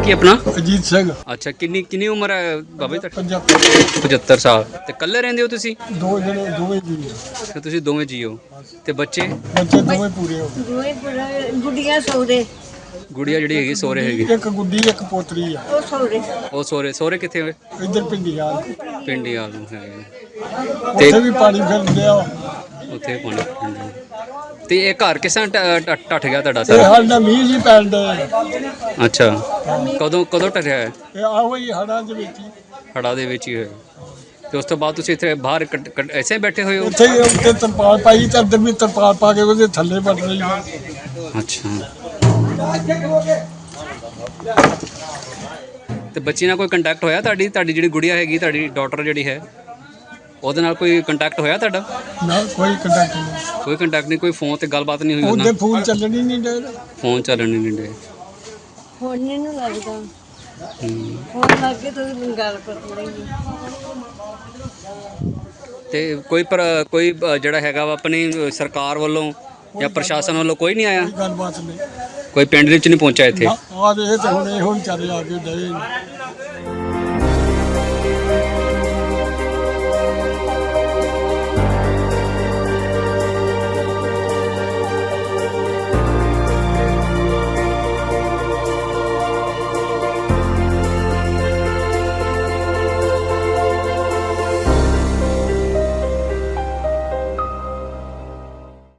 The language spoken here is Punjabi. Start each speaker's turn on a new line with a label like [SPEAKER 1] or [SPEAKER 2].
[SPEAKER 1] ਕੀ ਆਪਣਾ?
[SPEAKER 2] ਅਜੀਤ ਸਿੰਘ।
[SPEAKER 1] ਅੱਛਾ, ਕਿੰਨੀ ਉਮਰ ਹੈ ਬਾਬਾ ਜੀ ਤੁਹਾਡੀ?
[SPEAKER 2] 75।
[SPEAKER 1] 75 ਸਾਲ। ਤੇ ਇਕੱਲੇ ਰਹਿੰਦੇ ਹੋ ਤੁਸੀਂ?
[SPEAKER 2] ਦੋ ਜਣੇ ਦੋਵੇਂ ਜੀ।
[SPEAKER 1] ਤੇ ਤੁਸੀਂ ਦੋਵੇਂ ਜੀਓ ਤੇ ਬੱਚੇ?
[SPEAKER 2] ਬੱਚੇ ਦੋਵੇਂ ਪੂਰੇ ਹੋ ਗਏ।
[SPEAKER 3] ਦੋਵੇਂ ਪੂਰਾ ਗੁੱਡੀਆਂ ਸੌਦੇ।
[SPEAKER 1] ਗੁੜੀਆ ਜਿਹੜੀ ਹੈਗੀ ਸਹੁਰੇ ਹੈਗੀ?
[SPEAKER 2] ਇੱਕ ਗੁੱਡੀ ਇੱਕ ਪੋਤਰੀ ਆ।
[SPEAKER 3] ਉਹ ਸੌਦੇ।
[SPEAKER 1] ਉਹ ਸਹੁਰੇ ਕਿੱਥੇ ਹੋਏ?
[SPEAKER 2] ਇੱਧਰ ਪਿੰਡੀਆਂ
[SPEAKER 1] ਪਿੰਡੀ ਆਲ ਨੂੰ ਹੈ।
[SPEAKER 2] ਉੱਥੇ ਵੀ ਪਾਣੀ ਫਿਰ ਲਿਆ।
[SPEAKER 1] ਉੱਥੇ ਪਾਣੀ। ਤੇ ਇਹ ਘਰ ਕਿਸ ਤਰ੍ਹਾਂ ਟੱਟ ਗਿਆ ਤੁਹਾਡਾ
[SPEAKER 2] ਇਹ
[SPEAKER 1] ਸਾਰਾ?
[SPEAKER 2] ਸਾਡਾ ਮੀਂਹ ਜੀ ਪੈਣ ਦੇ।
[SPEAKER 1] ਅੱਛਾ, ਕਦੋਂ ਟੱਟਿਆ ਹੈ?
[SPEAKER 2] ਇਹ ਆਹੋ ਹੀ ਹੜਾਂ ਦੇ ਵਿੱਚ ਹੀ।
[SPEAKER 1] ਹੜ੍ਹਾਂ ਦੇ ਵਿੱਚ ਹੀ ਹੋਇਆ। ਤੇ ਉਸ ਤੋਂ ਬਾਅਦ ਤੁਸੀਂ ਇੱਥੇ ਬਾਹਰ ਐਸੇ ਬੈਠੇ ਹੋਏ ਹੋ?
[SPEAKER 2] ਉੱਥੇ ਹੀ ਉੱਤੇ ਤਰਪਾਲ ਪਾਈ ਤੇ ਅੰਦਰ ਵੀ ਤਰਪਾਲ ਪਾ ਕੇ ਉਹਦੇ ਥੱਲੇ ਵੱਢ ਰਹੀ ਹੈ।
[SPEAKER 1] ਅੱਛਾ। ਤੇ ਬੱਚੀ ਨਾਲ ਕੋਈ ਕੰਟੈਕਟ ਹੋਇਆ ਤੁਹਾਡੀ ਜਿਹੜੀ ਗੁੜੀਆ ਹੈਗੀ, ਤੁਹਾਡੀ ਡਾਟਰ ਜਿਹੜੀ ਹੈ, ਉਹਦੇ ਨਾਲ ਕੋਈ ਕੰਟੈਕਟ ਹੋਇਆ ਤੁਹਾਡਾ?
[SPEAKER 2] ਨਾ ਕੋਈ ਕੰਟੈਕਟ ਨਹੀਂ।
[SPEAKER 1] ਕੋਈ ਕੰਟੈਕਟ ਨਹੀਂ, ਕੋਈ ਫੋਨ ਤੇ ਗੱਲਬਾਤ ਨਹੀਂ ਹੋਈ
[SPEAKER 2] ਉਹਦੇ ਫੋਨ ਚੱਲਣ ਹੀ ਨਹੀਂ ਡੇ।
[SPEAKER 1] ਫੋਨ ਚੱਲਣ ਨਹੀਂ ਦਿੰਦੇ।
[SPEAKER 3] ਹੁਣ ਨਹੀਂ ਲੱਗਦਾ।
[SPEAKER 1] ਹੂੰ।
[SPEAKER 3] ਹੁਣ ਲੱਗੇ ਤਾਂ ਗੱਲ ਕਰ ਲਈ।
[SPEAKER 1] ਤੇ ਕੋਈ ਜਿਹੜਾ ਹੈਗਾ ਵਾ ਆਪਣੀ ਸਰਕਾਰ ਵੱਲੋਂ ਜਾਂ ਪ੍ਰਸ਼ਾਸਨ ਵੱਲੋਂ ਕੋਈ ਨਹੀਂ ਆਇਆ?
[SPEAKER 2] ਕੋਈ ਗੱਲਬਾਤ ਨਹੀਂ।
[SPEAKER 1] ਕੋਈ ਪਿੰਡ ਵਿੱਚ ਨਹੀਂ ਪਹੁੰਚਿਆ ਇੱਥੇ?
[SPEAKER 2] ਆ ਦੇ ਤੇ ਹੁਣ ਇਹੋ ਵਿਚਾਰੇ ਆ ਕੇ ਡਏ ਨੇ।